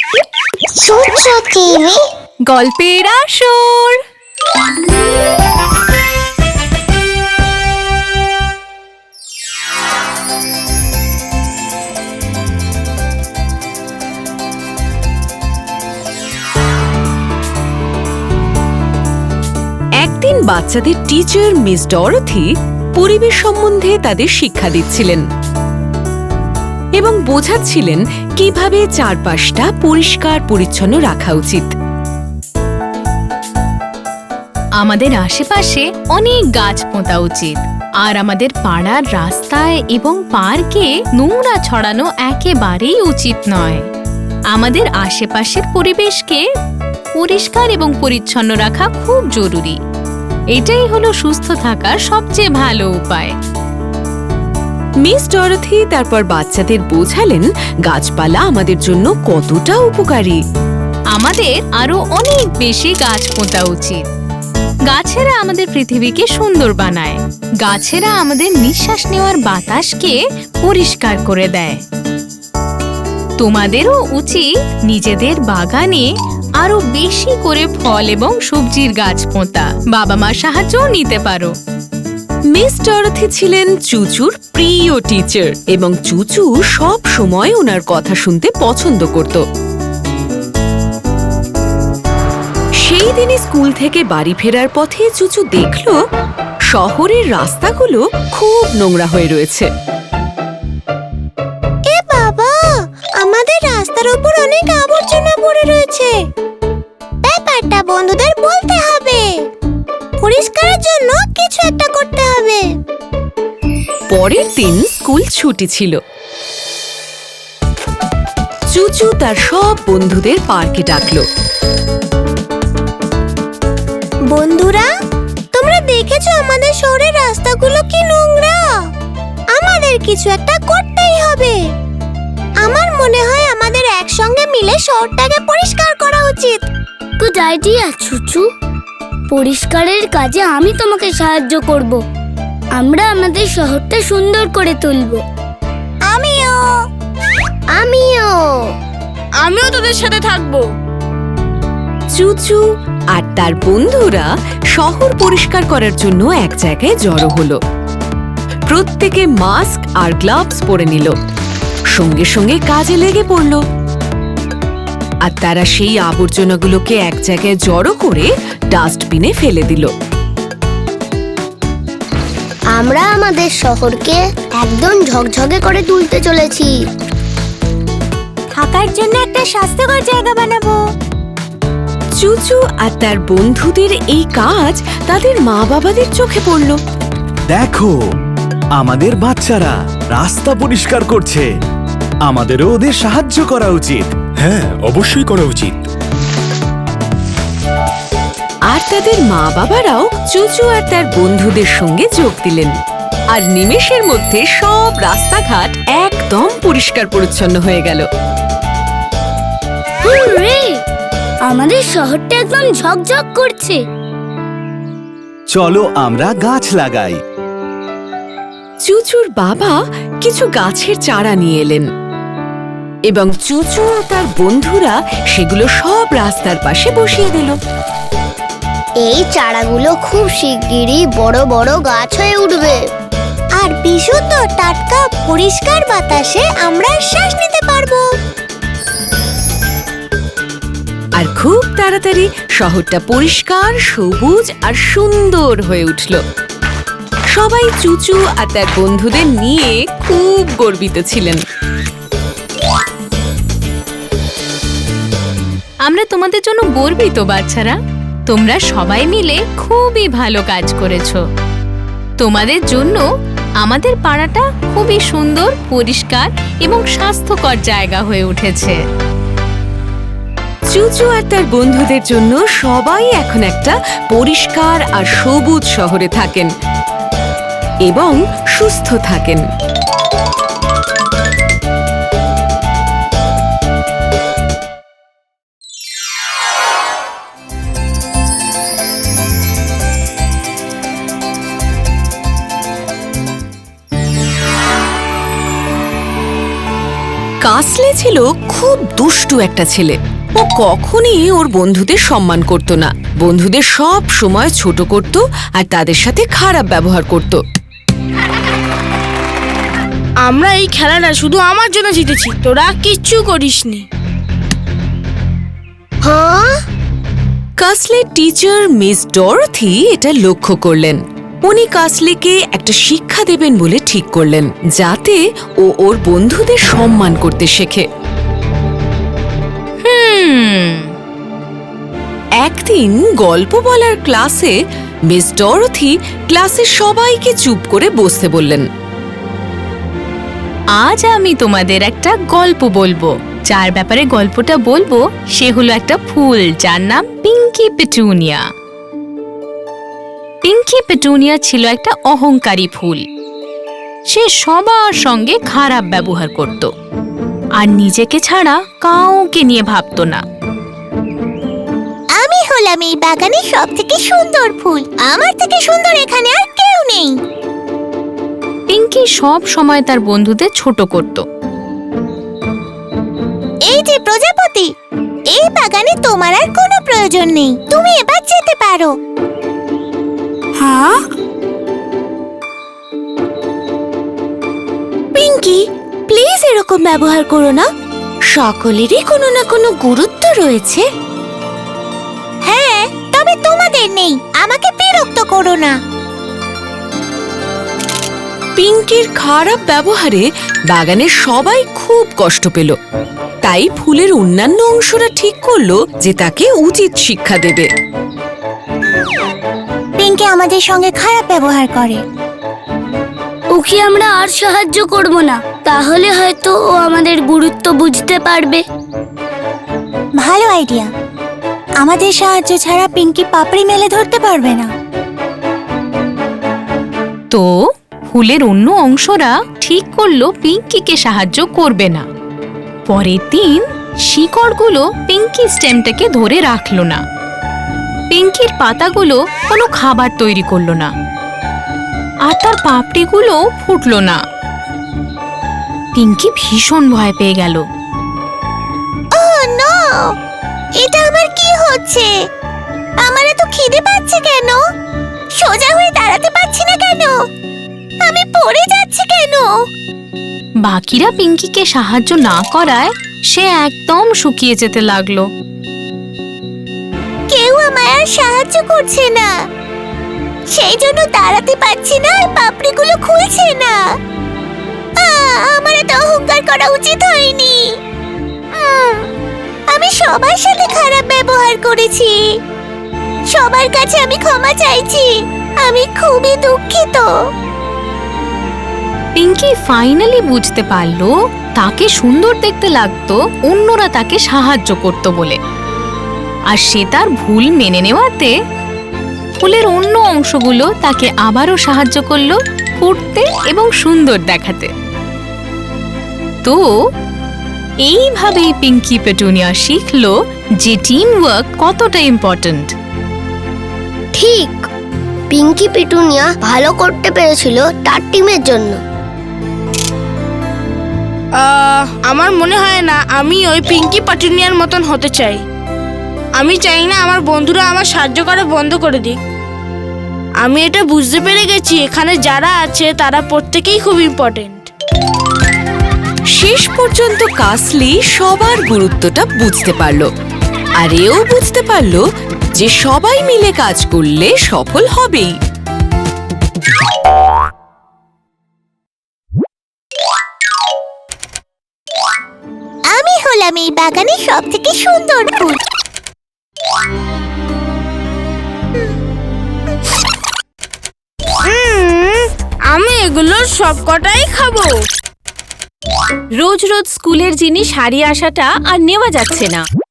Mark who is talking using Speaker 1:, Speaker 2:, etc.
Speaker 1: চুচু টিভি
Speaker 2: গল্পের আসর। একদিন বাচ্চাদের টিচার মিস ডরথি পরিবেশ সম্বন্ধে তাদের শিক্ষা দিচ্ছিলেন এবং বোঝাচ্ছিলেন কিভাবে চারপাশটা পরিষ্কার পরিচ্ছন্ন রাখা উচিত। আমাদের আশেপাশে অনেক গাছ পোঁতা উচিত, আর আমাদের পাড়ার রাস্তায় এবং পার্কে নোংরা ছড়ানো একেবারেই উচিত নয়। আমাদের আশেপাশের পরিবেশকে পরিষ্কার এবং পরিচ্ছন্ন রাখা খুব জরুরি। এটাই হলো সুস্থ থাকার সবচেয়ে ভালো উপায়। মিস ডরথি তারপর বাচ্চাদের বোঝালেন গাছপালা আমাদের জন্য কতটা উপকারী। আমাদের আরো অনেক বেশি গাছ পোঁতা উচিত। গাছেরা আমাদের পৃথিবীকে সুন্দর বানায়। গাছেরা আমাদের নিঃশ্বাস নেওয়ার বাতাসকে পরিষ্কার করে দেয়। তোমাদেরও উচিত নিজেদের বাগানে আরো বেশি করে ফল এবং সবজির গাছ পোঁতা। বাবা মার সাহায্যও নিতে পারো। মিস ডরথি ছিলেন চুচুর প্রিয় টিচার এবং চুচু সব সময় ওনার কথা শুনতে পছন্দ করত। সেই দিনই স্কুল থেকে বাড়ি ফেরার পথে চুচু দেখল শহরের রাস্তাগুলো খুব নোংরা হয়ে রয়েছে।
Speaker 1: এ বাবা, আমাদের রাস্তার উপর অনেক আবর্জনা পড়ে রয়েছে। ব্যাপারটা বন্ধুদের বলতে হবে। পরিষ্কারের জন্য কিছু একটা করতে হবে।
Speaker 2: পরের দিন স্কুল ছুটি ছিল। চুচু তার সব বন্ধুদের পার্কে ডাকলো।
Speaker 1: বন্ধুরা, তোমরা দেখেছো আমাদের শহরের রাস্তাগুলো কি নোংরা? আমাদের কিছু একটা করতেই হবে। আমার মনে হয় আমাদের একসঙ্গে মিলে শহরটাকে পরিষ্কার করা উচিত।
Speaker 3: গুড আইডিয়া চুচু। পরিষ্কারের কাজে আমি তোমাকে সাহায্য করব। আমরা আমাদের শহরটা সুন্দর করে তুলব।
Speaker 1: আমিও
Speaker 3: আমিও তোদের সাথে থাকবো।
Speaker 2: চুচু আর তার বন্ধুরা শহর পরিষ্কার করার জন্য এক জায়গায় জড়ো হলো। প্রত্যেকে মাস্ক আর গ্লাভস পরে নিল। সঙ্গে সঙ্গে কাজে লেগে পড়ল। আর তারা সেই আবর্জনাগুলোকে এক জায়গায় জড়ো করে ডাস্টবিনে ফেলে দিল।
Speaker 3: আমরা আমাদের শহরকে একদম ঝকঝকে করে তুলতে চলেছি।
Speaker 1: থাকার জন্য একটা স্বাস্থ্যকর জায়গা বানাবো।
Speaker 2: চুচু আর তার বন্ধুদের এই কাজ তাদের মা বাবাদের চোখে পড়ল।
Speaker 4: দেখো, আমাদের বাচ্চারা রাস্তা পরিষ্কার করছে। আমাদেরও ওদের সাহায্য করা উচিত।
Speaker 5: হ্যাঁ, অবশ্যই করা উচিত।
Speaker 2: আর তাদের মা বাবারাও চুচু আর তার বন্ধুদের সঙ্গে যোগ দিলেন। আর নিমেষের মধ্যে সব রাস্তাঘাট একদম পরিষ্কার পরিচ্ছন্ন হয়ে গেল।
Speaker 3: হুররে! আমাদের শহরটা একদম ঝকঝক করছে।
Speaker 4: চলো আমরা গাছ লাগাই।
Speaker 2: চুচুর বাবা কিছু গাছের চারা নিয়ে এলেন এবং চুচু ও তার বন্ধুরা সেগুলো সব রাস্তার পাশে বসিয়ে দিল।
Speaker 3: এই চারাগুলো খুব শিগগিরই বড় বড় গাছ হয়ে উঠবে।
Speaker 1: আর বিশুদ্ধ টাটকা পরিষ্কার বাতাসে আমরা শ্বাস নিতে পারবো।
Speaker 2: আর খুব তাড়াতাড়ি শহরটা পরিষ্কার, সবুজ আর সুন্দর হয়ে উঠল। সবাই চুচু আর তার বন্ধুদের নিয়ে খুব গর্বিত ছিলেন। আমরা তোমাদের জন্য গর্বিত বাচ্চারা। তোমরা সবাই মিলে খুবই ভালো কাজ করেছো। তোমাদের জন্য আমাদের পাড়াটা খুবই সুন্দর, পরিষ্কার এবং স্বাস্থ্যকর জায়গা হয়ে উঠেছে। চুচু আর তার বন্ধুদের জন্য সবাই এখন একটা পরিষ্কার আর সবুজ শহরে থাকেন এবং সুস্থ থাকেন।
Speaker 6: কাসলে ছিল খুব দুষ্টু একটা ছেলে। ও কখনই ওর বন্ধুদের সম্মান করত না, বন্ধুদের সব সময় ছোট করত আর তাদের সাথে খারাপ ব্যবহার করত।
Speaker 7: আমরা এই খেলাটা শুধু আমার জন্য জিতেছি, তোরা কিচ্ছু করিসনি।
Speaker 1: হ্যাঁ,
Speaker 6: কাসলের টিচার মিস ডরথি এটা লক্ষ্য করলেন। উনি কাসলেকে একটা শিক্ষা দেবেন বলে ঠিক করলেন, যাতে ও ওর বন্ধুদের সম্মান করতে শেখে। একদিন গল্প বলার ক্লাসে মিস ডরথি ক্লাসের সবাইকে চুপ করে বসতে বললেন।
Speaker 2: আজ আমি তোমাদের একটা গল্প বলবো। যার ব্যাপারে গল্পটা বলবো সে হলো একটা ফুল, যার নাম পিঙ্কি পেটুনিয়া। পিঙ্কি পেটুনিয়া ছিল একটা অহংকারী ফুল। সে সবার সঙ্গে খারাপ ব্যবহার করত আর নিজেকে ছাড়া কাউকে নিয়ে ভাবতো না।
Speaker 1: আমি হলাম এই বাগানের সবথেকে সুন্দর ফুল, আমার থেকে সুন্দর এখানে আর কেউ নেই।
Speaker 2: পিঙ্কি সব সময় তার বন্ধুদের ছোট করত।
Speaker 1: এই যে প্রজাপতি, এই বাগানে তোমার আর কোনো প্রয়োজন নেই, তুমি এবার যেতে পারো।
Speaker 7: হ্যাঁ,
Speaker 1: পিঙ্কি, প্লিজ এরকম ব্যবহার করো না। সকলেরই কোনো না কোনো গুরুত্ব রয়েছে। হ্যাঁ, তবে তোমাদের নেই, আমাকে বিরক্ত করো না।
Speaker 6: পিঙ্কির খারাপ ব্যবহারে বাগানের সবাই খুব কষ্ট পেল। তাই ফুলের অন্যান্য অংশরা ঠিক করলো যে তাকে উচিত শিক্ষা দেবে।
Speaker 1: পিঙ্কি আমাদের সঙ্গে খারাপ ব্যবহার করে।
Speaker 3: ওকে আমরা আর সাহায্য করব না, তাহলে হয়তো ও আমাদের গুরুত্ব বুঝতে পারবে।
Speaker 1: ভালো আইডিয়া। আমাদের সাহায্য ছাড়া পিঙ্কি পাপড়ি মেলে ধরতে পারবে না।
Speaker 2: তো ফুলের অন্য অংশরা ঠিক করলো পিঙ্কিকে সাহায্য করবে না। পরের দিন শিকড়গুলো পিঙ্কি স্টেমটাকে ধরে রাখলো না। পিঙ্কির পাতাগুলো কোনো খাবার তৈরি করলো না, আর তার পাপড়িগুলো ফুটলো না। পিঙ্কি ভীষণ ভয় পেয়ে গেল।
Speaker 1: ওহ নো, এটা আমার কি হচ্ছে? আমার এত খিদে পাচ্ছে কেন? সোজা হয়ে দাঁড়াতে পারছি না কেন? আমি পড়ে যাচ্ছি কেন?
Speaker 2: বাকিরা পিঙ্কিকে সাহায্য না করায় সে একদম শুকিয়ে যেতে লাগলো।
Speaker 1: কেউ আমায় আর সাহায্য করছে না, সেই জন্য দাঁড়াতে পারছি না আর পাপড়িগুলো খুলছে না। আমার এত অহংকার করা উচিত হয়নি। আমি সবার সাথে খারাপ ব্যবহার করেছি। সবার কাছে আমি ক্ষমা চাইছি। আমি খুবই দুঃখিত।
Speaker 2: পিঙ্কি ফাইনালি বুঝতে পারলো তাকে সুন্দর দেখতে লাগতো অন্যরা তাকে সাহায্য করত বলে। আর সে তার ভুল মেনে নেওয়াতে ফুলের অন্য অংশগুলো তাকে আবারও সাহায্য করলো ফুটতে এবং সুন্দর দেখাতে। তো এইভাবেই পিঙ্কি পেটুনিয়া শিখলো যে টিম ওয়ার্ক কতটা ইম্পর্ট্যান্ট।
Speaker 3: ঠিক, পিঙ্কি পিটুনিয়া ভালো করতে পেরেছিল তার টিমের জন্য।
Speaker 7: আমার মনে হয় না আমি ওই পিঙ্কি পেটুনিয়ার মতন হতে চাই। আমি চাই না আমার বন্ধুরা আমার সাহায্য করা বন্ধ করে দিক। আমি এটা বুঝতে পেরে গেছি এখানে যারা আছে তারা প্রত্যেকেই খুব ইম্পর্টেন্ট।
Speaker 6: শেষ পর্যন্ত কাসলি সবার গুরুত্বটা বুঝতে পারল, আর এও বুঝতে পারল যে সবাই মিলে কাজ করলে সফল হবেই।
Speaker 1: আমি হলাম এই বাগানের সবথেকে সুন্দর ফুল।
Speaker 7: আমি এগুলোর সবকটাই খাবো।
Speaker 2: রোজ রোজ স্কুলের জিনিস হারিয়ে আসাটা আর নেওয়া যাচ্ছে না।